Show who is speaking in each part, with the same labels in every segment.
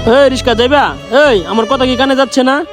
Speaker 1: এই রিস্কা যাইবা? এই আমার কথা কি কানে যাচ্ছে না?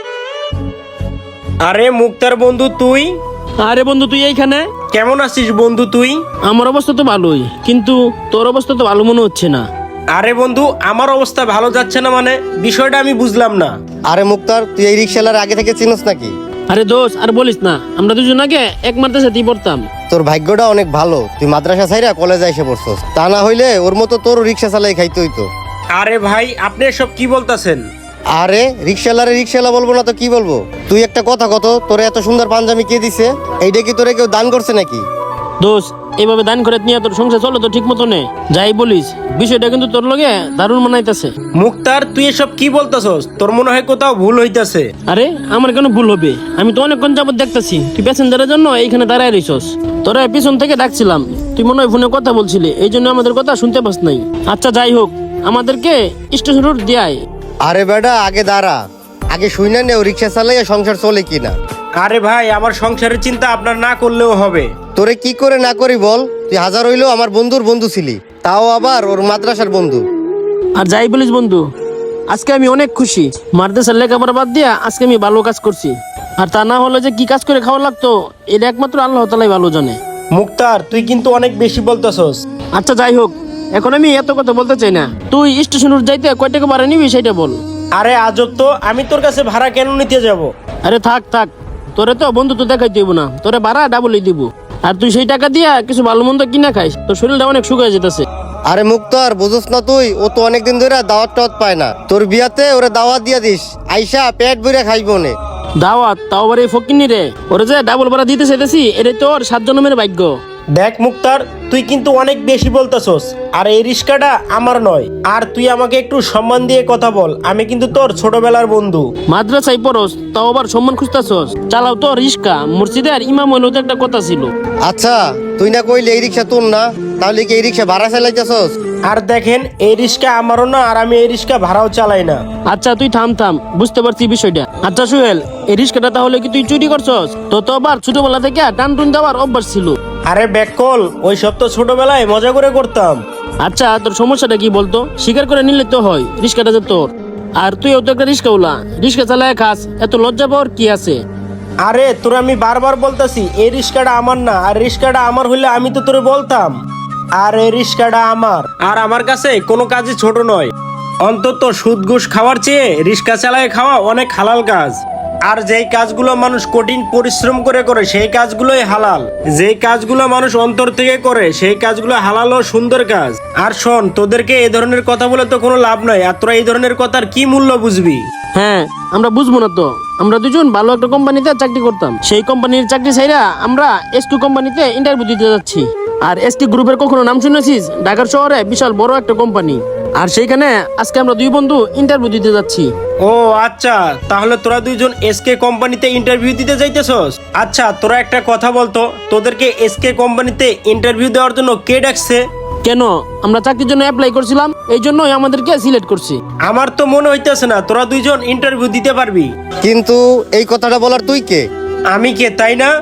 Speaker 2: আরে মুক্তার বন্ধু তুই?
Speaker 1: আরে বন্ধু তুই এইখানে?
Speaker 2: কেমন আছিস বন্ধু তুই?
Speaker 1: আমার অবস্থা তো ভালোই, কিন্তু তোর অবস্থা তো ভালো মনে হচ্ছে না।
Speaker 2: আরে বন্ধু আমার অবস্থা ভালো যাচ্ছে না মানে বিষয়টা আমি বুঝলাম না।
Speaker 3: আরে মুক্তার, তুই এই রিক্সালার আগে থেকে চিনিস নাকি?
Speaker 1: আরে দোষ আর বলিস না, আমরা দুজন আগে এক মাদ্রাসাতেই পড়তাম।
Speaker 3: তোর ভাগ্যটা অনেক ভালো, তুই মাদ্রাসা ছাইরা কলেজে এসে পড়ছস। তা না হইলে ওর মতো তোর রিক্সা চালাই খাইতে হইতো।
Speaker 2: আরে ভাই আপনি এসব কি বলতাছেন?
Speaker 3: আরে রিক্সালারে রিক্সালা বলবো না তো কি বলবো? তুই একটা কথা কত, তোরে এত সুন্দর পাঞ্জাবি কে দিছে? এইটা কি তোরে কেউ দান করছে নাকি?
Speaker 1: দোষ এইভাবে দান করে নিয়ে তোর সংসার চলো তো ঠিক মতো নে। যাই বলিস, বিষয়টা কিন্তু তোর লগে দারুণ মানাইতেছে।
Speaker 2: মুক্তার তুই এসব কি বলতাছস? তোর মনে হয় কোথাও ভুল হইতাছে।
Speaker 1: আরে আমার কেন ভুল হবে? আমি তো অনেকক্ষণ যাবত দেখতেছি তুই প্যাসেঞ্জারের জন্য এইখানে দাঁড়ায় রইছস। তোরা পিছন থেকে ডাকছিলাম, তুই মনে হয় ফোনে কথা বলছিলি, এই জন্য আমাদের কথা শুনতে পাস নাই। আচ্ছা যাই হোক, আমাদেরকে স্টেশন রোড দিয়ায়।
Speaker 3: আরে বেটা আগে দাঁড়া, আগে শুই না নে ও রিক্সা চালাইয়া সংসার চলে কিনা।
Speaker 2: আরে ভাই আমার সংসারের চিন্তা আপনার না করলেও হবে।
Speaker 3: তোরে কি করে না করি বল? তুই হাজার হইলেও আমার বন্ধুর বন্ধু ছিলি, তাও আবার ওর মাদ্রাসার বন্ধু।
Speaker 1: আর যাই বলিস বন্ধু, আজকে আমি অনেক খুশি। মাদ্রাসার লেখাপড়া বাদ দিয়া আজকে আমি ভালো কাজ করছি। আর তা না হলে যে কি কাজ করে খাওয়া লাগতো, এটা একমাত্র আল্লাহ তাআলাই ভালো জানে।
Speaker 2: মুক্তার তুই কিন্তু অনেক বেশি বলতাছস।
Speaker 1: আচ্ছা যাই হোক, এখন আমি এত কথা বলতে চাই না। তুই স্টেশন রোড যাইতে কয় টাকা ভাড়া নিবি সেটা বল।
Speaker 2: আরে আজব তো, আমি তোর কাছে ভাড়া কেন নিতে যাব?
Speaker 1: আরে থাক থাক, তোরে তো বন্ধু তো দেখাই দিব না, তোরে ভাড়া ডাবলই দিব। আর তুই সেই টাকা দিয়া কিছু ভালো মন্দ কিনা খাইস, তোর শরীরটা অনেক শুকিয়ে যেতেছে।
Speaker 3: আরে মুক্তার বুঝোস না তুই, ও তো অনেকদিন ধরে দাওয়াত টাওয়াত পায় না। তোর বিয়াতে ওরে দাওয়াত দিয়া দিস, আইসা পেট ভরে খাইবো নে।
Speaker 1: দাওয়াত তাও আবার এই ফকিন্নি রে, ওরে যে ডাবল ভাড়া দিতে চাইতেছি, এটাই তোর 7 জন্মের ভাগ্য।
Speaker 2: দেখ মুক্তার, তুই কিন্তু অনেক বেশি বলতাছস। আর এই রিস্কাটা আমার নয়। আর তুই আমাকে একটু সম্মান দিয়ে কথা বল, আমি কিন্তু তোর ছোটবেলার বন্ধু।
Speaker 1: মাদ্রাসায় পড়স তাও আবার সম্মান খুঁজতেছস? চালাও তো রিস্কা, মসজিদের ইমাম হইলেও তো একটা কথা ছিল।
Speaker 3: আচ্ছা তুই না কইলে এই রিক্সা তোর না, তাহলে কি এই রিক্সা ভাড়া চালাইতেছস?
Speaker 2: আর দেখেন এই রিস্কা আমারও না, আর আমি এই রিস্কা ভাড়াও চালাই না।
Speaker 1: আচ্ছা তুই থাম থাম, বুঝতে পারছি বিষয়টা। আচ্ছা সুহেল, এই রিস্কাটা তাহলে কি তুই চুরি করছস? তো তো আবার ছোটবেলা থেকে টান টুন দেওয়ার অভ্যাস ছিল।
Speaker 2: আরে ব্যাককল, ওই সব তো ছোটবেলায় মজা করে করতাম।
Speaker 1: আচ্ছা তোর সমস্যাটা কি বলতো? স্বীকার করে নিলে তো হয়, রিস্কাটা যে তোর। আর তুইও তো একটা রিস্কাওয়ালা, রিস্কা চালায় খাস, এত লজ্জা পাওয়ার কি আছে?
Speaker 2: আরে তোর আমি বারবার বলতাছি এই রিস্কাটা আমার না, আর রিস্কাটা আমার হইলে আমি তো তোরে বলতাম। আর এই রিস্কাটা আমার, আর আমার কাছে কোনো কাজই ছোট নয়। অন্তত সুদ ঘুষ খাওয়ার চেয়ে রিস্কা চালায় খাওয়া অনেক হালাল কাজ। আর যেই কাজগুলো মানুষ কঠিন পরিশ্রম করে করে সেই কাজগুলোই হালাল। যেই কাজগুলো মানুষ অন্তর থেকে করে সেই কাজগুলো হালাল ও সুন্দর কাজ। আর শোন, তোদেরকে এই ধরনের কথা বলে তো কোনো লাভ নাই। আর তোরা এই ধরনের কথার কি মূল্য বুঝবি?
Speaker 1: হ্যাঁ, আমরা বুঝবো না তো? আমরা দুজন ভালো একটা কোম্পানিতে চাকরি করতাম, সেই কোম্পানির চাকরি ছাইরা আমরা এস2 কোম্পানিতে ইন্টারভিউ দিতে যাচ্ছি। আর এসটি গ্রুপের কখনো নাম শুনেছিস? ঢাকার শহরে বিশাল বড় একটা কোম্পানি। আর সেইখানে আজকে আমরা দুই বন্ধু ইন্টারভিউ দিতে যাচ্ছি।
Speaker 2: ও আচ্ছা, তাহলে তোরা দুইজন এসকে কোম্পানিতে ইন্টারভিউ দিতে যাইতেছস? আচ্ছা তোরা একটা কথা বলতো, তোদেরকে এসকে কোম্পানিতে ইন্টারভিউ দেওয়ার জন্য কে ডাকছে?
Speaker 1: কেন? আমরা চাকরির জন্য অ্যাপ্লাই করছিলাম, এই জন্যই আমাদেরকে সিলেক্ট করছি।
Speaker 2: আমার তো মনে হইতেছে না তোরা দুইজন ইন্টারভিউ দিতে পারবি।
Speaker 3: কিন্তু এই কথাটা বলার তুই কে?
Speaker 2: আমি কে, তাই না?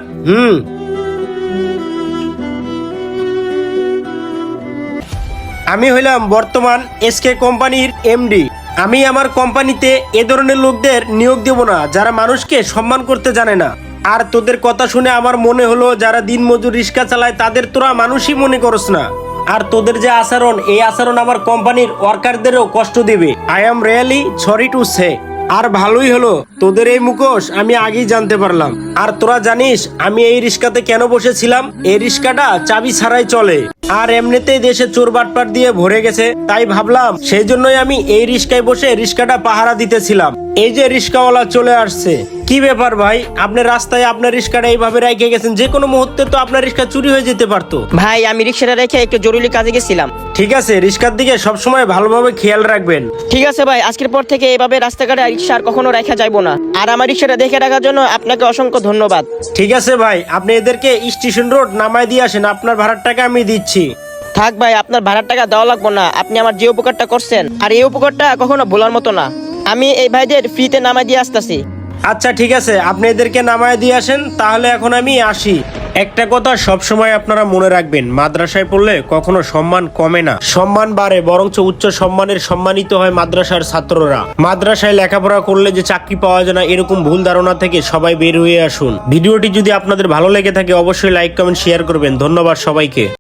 Speaker 2: আমি হইলাম বর্তমান এসকে কোম্পানির এমডি। আমি আমার কোম্পানিতে এ ধরনের লোকদের নিয়োগ দেব না যারা মানুষকে সম্মান করতে জানে না। আর তোদের কথা শুনে আমার মনে হলো যারা দিনমজুর রিক্সা চালায় তাদের তোরা মানুষই মনে করস না। আর তোদের যে আচরণ, এই আচরণ আমার কোম্পানির ওয়ার্কারদেরও কষ্ট দেবে। I am really sorry to say. আর ভালোই হলো তোদের এই মুখোশ আমি আগেই জানতে পারলাম। আর তোরা জানিস আমি এই রিক্সাতে কেন বসেছিলাম? এই রিক্সাটা চাবি ছাড়াই চলে, আর এমনিতেই দেশে চোর বাটপাট দিয়ে ভরে গেছে। তাই ভাবলাম সেই জন্যই আমি এই রিক্সায় বসে রিক্সাটা পাহারা দিতেছিলাম। এই যে রিক্সাওয়ালা চলে আসছে। কি ব্যাপার ভাই, আপনি রাস্তায় আপনার রিক্সাটা এইভাবে রেখে গেছেন? যে কোনো মুহূর্তে তো আপনার রিক্সা চুরি হয়ে যেতে পারতো।
Speaker 4: ভাই আমি রিক্সাটা রেখে একটু জরুরি কাজে গেছিলাম।
Speaker 2: ঠিক আছে, রিক্সার দিকে সবসময় ভালোভাবে খেয়াল রাখবেন।
Speaker 4: ঠিক আছে ভাই, আজকের পর থেকে এভাবে রাস্তাঘাটে রিক্সা আর কখনো রাখা যাইবো না। আর আমার রিক্সাটা দেখে রাখার জন্য আপনাকে অসংখ্য ধন্যবাদ।
Speaker 2: ঠিক আছে ভাই, আপনি এদেরকে স্টেশন রোড নামায় দিয়ে আসেন, আপনার ভাড়ার টাকা আমি দিচ্ছি।
Speaker 4: থাক ভাই, আপনার ভাড়ার টাকা দেওয়া লাগবো না। আপনি আমার যে উপকারটা করছেন, আর এই উপকারটা কখনো ভোলার মতো না। আমি এই ভাইদের ফ্রিতে নামাই দিয়ে আসতেছি।
Speaker 2: আচ্ছা ঠিক আছে, আপনি এদেরকে নামায় দিয়ে আসেন, তাহলে এখন আমি আসি। একটা কথা সবসময় আপনারা মনে রাখবেন, মাদ্রাসায় পড়লে কখনো সম্মান কমে না, সম্মান বাড়ে, বরঞ্চ উচ্চ সম্মানের সম্মানিত হয় মাদ্রাসার ছাত্ররা। মাদ্রাসায় লেখাপড়া করলে যে চাকরি পাওয়া যায় না, এরকম ভুল ধারণা থেকে সবাই বের হয়ে আসুন। ভিডিওটি যদি আপনাদের ভালো লেগে থাকে অবশ্যই লাইক কমেন্ট শেয়ার করবেন। ধন্যবাদ সবাইকে।